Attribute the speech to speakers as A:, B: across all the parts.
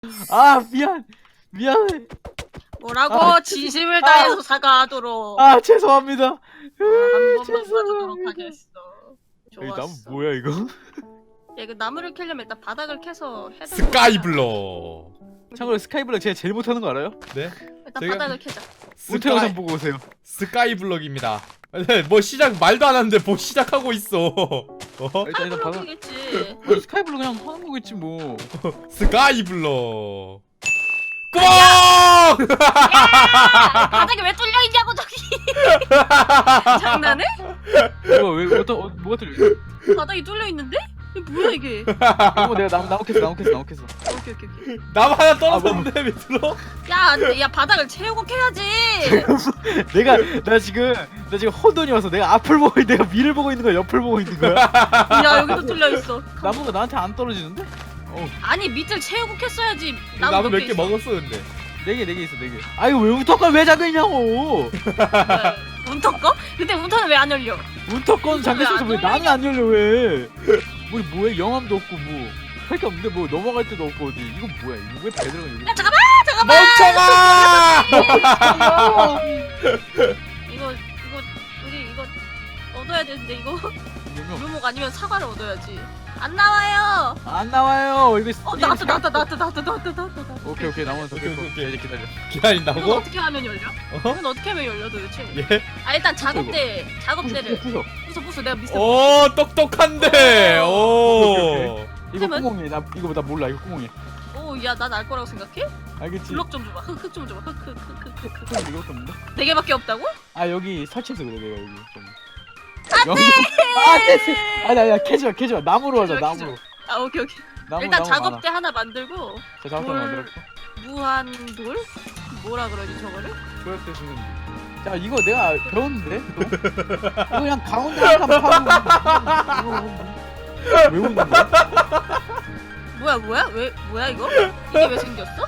A: 아 미안 미안해.
B: 뭐라고?
A: 아,
B: 진심을 다해서 사과하도록.
A: 아 죄송합니다.
B: 한 번만
A: 죄송합니다.
B: 봐주도록 하겠어.
A: 여기 나무
B: 좋았어.
A: 뭐야 이거?
B: 야, 이거 나무를 캐려면 일단 바닥을 캐서 해야 되는
C: 스카이블럭.
A: 참고로 스카이블럭 제가 제일 못하는 거 알아요?
C: 네?
B: 일단
C: 제가-
B: 바닥을 캐자.
A: 우태 영상 보고 오세요.
C: 스카이블럭입니다. 네, 뭐 시작 말도 안 하는데 뭐 시작하고 있어.
A: 일단 바닥.
B: 바닥이겠지.
A: 스카이블럭 그냥 하는 거겠지 뭐.
C: 스카이블럭. 꽝!
B: 야! 바닥이 왜 뚫려 있냐고 저기. 장난해?
A: 왜 뭐가 들려?
B: 바닥이 뚫려 있는데? 이게 뭐야 이게?
A: 이거 내가 나무 캤어.
B: 오케이.
C: 나무 하나 떨어졌는데 밑으로?
B: 야, 바닥을 채우고 캐야지.
A: 나 지금 혼돈이 와서 내가 앞을 보고 내가 위를 보고 있는 거야, 옆을 보고 있는 거야?
B: 야, 여기도 뚫려 있어.
A: 나무가 나한테 안 떨어지는데?
B: 아니, 밑을 채우고 캤어야지.
C: 나도 몇 개
B: 있어.
C: 먹었어 근데.
A: 4개 있어 4개. 아 이거 왜 운터건 왜 잠겨 있냐고?
B: 네. 운터 거? 근데 운터는 왜 안 열려?
A: 운터건 잠겨 있어서 왜
B: 왜 안
A: 나는 안 열려 왜? 뭐 뭐야 영암도 없고 뭐 할 게 없는데 뭐 넘어갈 데도 없고 어디 이거 뭐야 이거 왜 배들어가 여기?
B: 야, 잠깐만.
C: 멍청아!
B: 이거 우리 이거 얻어야 되는데 이거 묘목 아니면 사과를 얻어야지. 안 나와요.
A: 안 나와요. 이거
B: 나왔다.
A: 오케이 나무는 더
C: 오케이,
A: 겠고
C: 오케이.
A: 이제 기다려.
B: 이건
C: 기다린다고?
B: 어떻게 하면 열려? 이건 어떻게 하면 열려 도대체?
C: 예?
B: 아, 일단 작업대를
A: 부숴.
B: 부숴. 내가 미스터.
C: 오 똑똑한데. 오.
A: 이거
B: 그러면-
A: 구멍이 나 몰라 이거 구멍이.
B: 오, 야, 난 알 거라고 생각해?
A: 알겠지?
B: 블럭 좀 줘봐. 흙 좀 줘봐. 흙.
A: 구멍이 이거 없는데?
B: 4개밖에 없다고?
A: 아 여기 설치해서 그래 내가 여기 좀. 안돼. 아 됐어. 아니야 캐지 마. 나무로 하자
B: 캐지 마,
A: 나무로.
B: 아, 오케이.
A: 나무
B: 일단
A: 나무
B: 작업대 하나 만들고
A: 자 작업대
B: 돌-
A: 만들었고.
B: 무한돌? 뭐라 그러지 저거를?
A: 조약대 주는. 자 이거 내가 배웠는데. 이거 그냥 가운데 한 칸 파고. 왜 웃는 거야?
B: 뭐야? 뭐야 이거? 이게 왜 생겼어?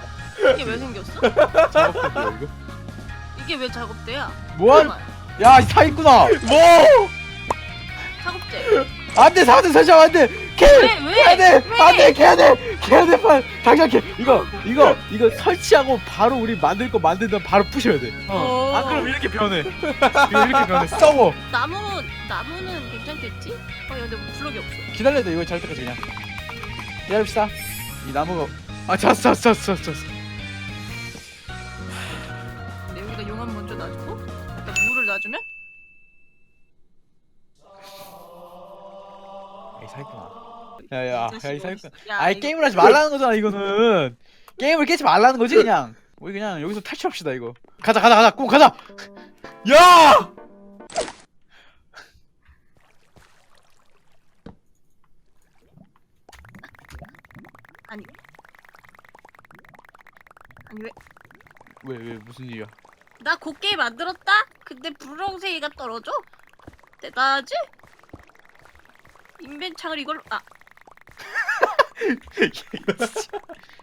A: 작업대인데 이거?
B: 이게 왜 작업대야?
A: 뭐야?
B: 잠깐만.
A: 야 사 있구나.
C: 뭐?
B: 작업대.
A: 안돼 사대 설정 안돼. 캐.
B: 왜?
A: 안돼 캐야 돼 빨리 당장 캐. 이거 설치하고 바로 우리 만들 거 만들면 바로 부셔야 돼.
B: 어.
A: 안 그럼 이렇게 변해. 이렇게 변해. 썩어.
B: 나무는 괜찮겠지? 근데 뭐 블럭이 없어.
A: 기다려야 돼 이거 잘 때까지 그냥. 기다립시다. 이 나무가 잤어.
B: 근데 여기다 용암 먼저 놔주고 일단 물을 놔주면
A: 이 사기꾼아. 야이 사기꾼.
B: 야,
A: 아이
B: 이거-
A: 게임을 하지 말라는 거잖아 이거는. 게임을 깨지 말라는 거지 그냥. 우리 그냥 여기서 탈출합시다 이거. 가자 꼭 가자.
C: 야!
B: 아니
A: 왜 무슨 일이야?
B: 나 곱게 만들었다? 근데 분홍색이가 떨어져? 대단하지? 인벤창을 이걸로